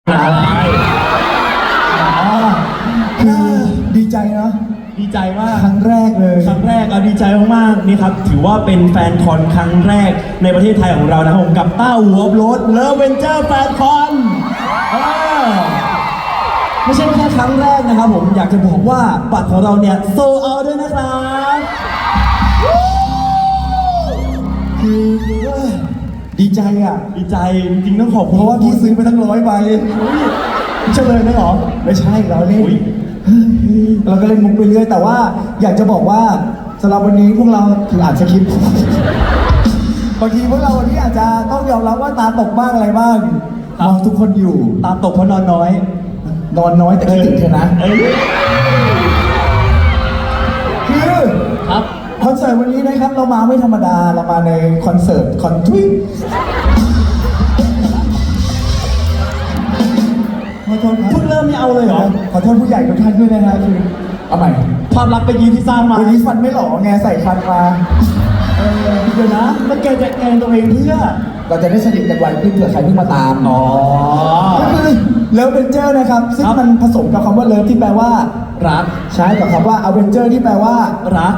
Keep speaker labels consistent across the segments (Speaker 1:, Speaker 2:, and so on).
Speaker 1: คือดีใจเนาะ
Speaker 2: ดีใจมาก
Speaker 1: ครั้งแรกเลย
Speaker 2: ครั้งแรกเราดีใจมากๆนี่ครับถือว่าเป็นแฟนคอนครั้งแรกในประเทศไทยของเรานะครับผมกับต้าหัวรถเลิฟเวนเจอร์แฟนคอนไม่ใช่แค่ครั้งแรกนะครับผมอยากจะบอกว่าบัตรของเราเนี่ยโซลเอาท์ด้วยนะครับ
Speaker 1: คือดีใจอ่ะ
Speaker 2: ดีใจจริงๆต้องขอบ
Speaker 1: เพ
Speaker 2: คุณ
Speaker 1: ราะว่าพี่ซื้อไปทั้ง100 ใบ
Speaker 2: เฉลยไหมหรอ
Speaker 1: ไม่ใช่เราเล่น
Speaker 2: อุ๊ย
Speaker 1: เราก็เล่นมุกไปเรื่อยแต่ว่าอยากจะบอกว่าสำหรับวันนี้พวกเราถืออ่านสคริปต์บางทีพวกเราวันนี้อาจจะต้องยอมรับว่าตาตกบ้างอะไรบ้างมองทุกคนอยู่
Speaker 2: ตาตกเพราะนอนน้อย
Speaker 1: นอนน้อยแต่คิดถึงเธอนะ
Speaker 2: เอ้ย
Speaker 1: คือ
Speaker 2: ครับ
Speaker 1: คอนเสิร์ตวันนี้นะครับเรามาไม่ธรรมดาเรามาในคอนเสิร์ตคอนทริขอโทษครับ
Speaker 2: เพิ่งเริ่มไม่เอาเลยเหรอ
Speaker 1: ขอโทษผู้ใหญ่ทุกท่านด้วยนะฮะคือเอาใหม่
Speaker 2: ความรักไปยืนที่สร้างมา
Speaker 1: วันนี้ฟันไม่หล่อไงใส่ฟันมา
Speaker 2: เดี๋ยวนะแล้วแกจะแกล้งตัวเองเพื่อ
Speaker 1: เราจะได้สนิทกันไวขึ้นเผื่อใครเพิ่งมาตาม
Speaker 2: อ๋อ
Speaker 1: ก็คือเลิฟเวนเจอร์นะครับซึ่ง
Speaker 2: ครับ
Speaker 1: มันผสมกับคำว่าเลิฟที่แปลว่า
Speaker 2: รัก
Speaker 1: ใช้กับคำว่าอเวนเจอร์ที่แปลว่า
Speaker 2: รัก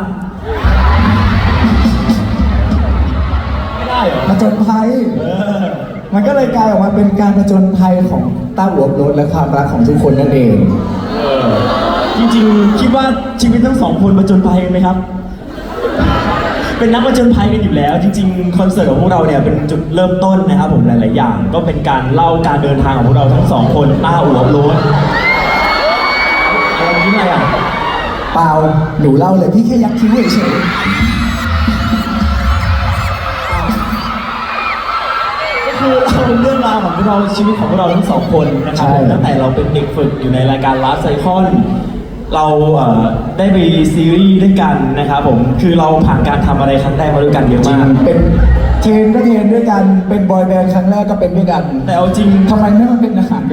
Speaker 2: ไม่ได้เหรอ
Speaker 1: ผจญภัย มันก็เลยกลายออกมาเป็นการผจญภัยของต้าหัวรถและความรักของทุกคนนั่นเอง
Speaker 2: จริงๆคิดว่าชีวิตทั้งสองคนผจญภัยไหมครับ เป็นนักผจญภัยกันอยู่แล้ว จริงๆคอนเสิร์ตของพวกเราเนี่ยเป็นจุดเริ่มต้นนะครับผมหลายๆอย่าง ก็เป็นการเล่าการเดินทางของพวกเราทั้งสองคนต้าหัวโล้นอะไรคิดอะไรอ่ะ
Speaker 1: เปล่าหนูเล่าเลยพี่แค่ยักคิ้วเฉย
Speaker 2: ก็คือเราเรื่องราวของพวกเราชีวิตของพวกเราทั้งสองคนนะครับผมตั้งแต่เราเป็นเด็กฝึกอยู่ในรายการ Last Cycle เราได้ไปซีรีส์ด้วยกันนะครับผมคือเราผ่านการทำอะไรครั้งแรกมาด้วยกันเยอะ
Speaker 1: จริง
Speaker 2: มาก
Speaker 1: เป็นเทรนก็เทรนด้วยกันเป็นบอยแบนด์ครั้งแรกก็เป็นด้วยกัน
Speaker 2: แต่เอาจริง
Speaker 1: ทำไมไม่มาเป็นอาหารกัน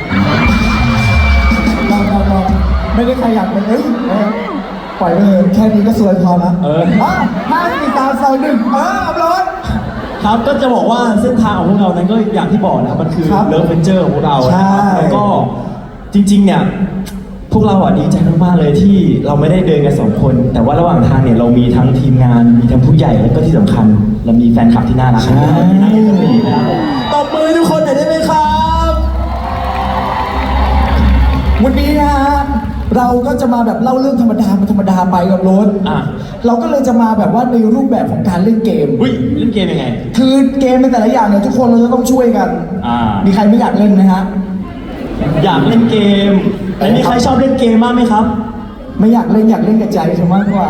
Speaker 1: ลองไม่ได้ใครอยากเป็นปล่อยไปเลยแค่นี้ก็สวยพอละ 5 4 3 2 1อัพโหลด
Speaker 2: ครับก็จะบอกว่าเส้นทางของพวกเรานั้นก็อย่างที่บอกนะครับมันคือ
Speaker 1: ครับ
Speaker 2: เลิฟเวนเจอร์ของพวกเรานะครับ
Speaker 1: ใช่
Speaker 2: แล้วก็จริงๆเนี่ยพวกเราดีใจมากๆเลยที่เราไม่ได้เดินกันสองคน แต่ว่าระหว่างทางเนี่ยเรามีทั้งทีมงานมีทั้งผู้ใหญ่แล้วก็ที่สำคัญ เรามีแฟนคลับที่น่ารักที่น่าเอ็นดูนะครับตบมือทุกคนหน่อยได้ไหมครับ
Speaker 1: วันนี้นะฮะเราก็จะมาแบบเล่าเรื่องธรรมดามันธรรมดาไปกับโรถ
Speaker 2: อ่ะ
Speaker 1: เราก็เลยจะมาแบบว่าในรูปแบบของการเล่นเกม
Speaker 2: อุ้ยเล่นเกมยังไง
Speaker 1: คือเกมในแต่ละอย่างเนี่ยทุกคนเราจะต้องช่วยกัน มีใครไม่อยากเล่นไหมฮะ
Speaker 2: อยากเล่นเกมแล้วมีใครชอบเล่นเกมบ้างไหมครับ
Speaker 1: ไม่อยากเล่นอยากเล่นกับใจเธอมากกว่า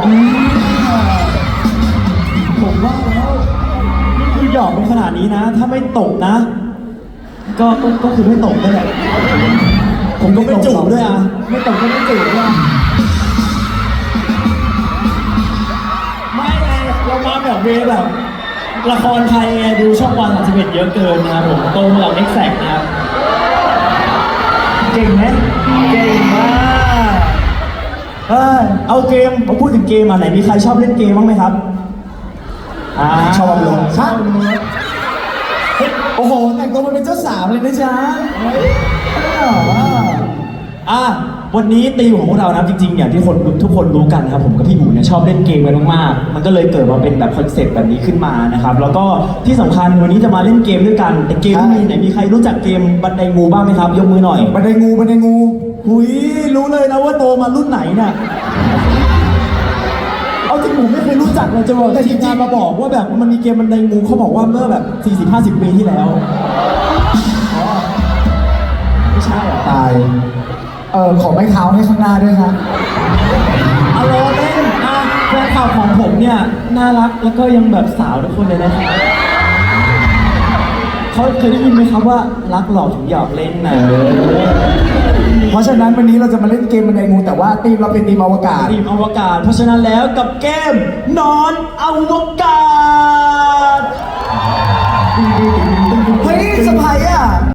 Speaker 2: ผมว่าแล้วนี่คือหยอกเป็นขนาดนี้นะ ถ้าไม่ตกนะ ก็คือไม่ตกนั่นแหละผมก็ไม่จูบด้วยอ่ะ
Speaker 1: ไม่ตกก็ไม่จูบด้วย
Speaker 2: ไม่ไงเรามาแบบเวแบบละครไทยไงดูช่องวัน31เยอะเกินนะครับผมโตมากับเอ็กแซกนะครับเก่งไหมเก่งมากเอาเกมมาพูดถึงเกมอ่ะไหนมีใครชอบเล่นเกมบ้างไหมครับ
Speaker 1: ชอบลง
Speaker 2: ชอบลง
Speaker 1: โอ้โหแต่งตัวมาเป็นเจ้าสาวเลยนะจ๊ะ
Speaker 2: วันนี้ตีมของพวกเรานะจริงๆอย่างที่ทุกคนรู้กันนะครับผมกับพี่หมูเนี่ยชอบเล่นเกมกันมากๆมันก็เลยเกิดมาเป็นแบบคอนเซ็ปต์แบบนี้ขึ้นมานะครับแล้วก็ที่สำคัญวันนี้จะมาเล่นเกมด้วยกันแต่เกมที่มีไหนมีใครรู้จักเกมบันไดงูบ้างไหมครับยกมือหน่อย
Speaker 1: บันไดงู
Speaker 2: หุยรู้เลยนะว่าโตมารุ่นไหนเนี่ยเอาจริงผมไม่เคยรู้จักเลยจะบอกแต่ทีมงานมาบอกว่าแบบมันมีเกมบันไดงูเขาบอกว่าเมื่อแบบ 40-50 ปีที่แล้วไม่ใช่เหรอ
Speaker 1: ตายขอไม้เท้าให้ข้างหน้าด้วยครับ
Speaker 2: เอาล้อเล่นแฟนข่าวของผมเนี่ยน่ารักแล้วก็ยังแบบสาวทุกคนเลยนะครับเขาเคยได้ยินไหมครับว่ารักหลอกถึงหยอกเล่นนะ
Speaker 1: เพราะฉะนั้นวันนี้เราจะมาเล่นเกมบันไดงูแต่ว่าทีมเราเป็นทีมอวกาศ
Speaker 2: ทีมอวกาศเพราะฉะนั้นแล้วกับเกมนอนอวกาศ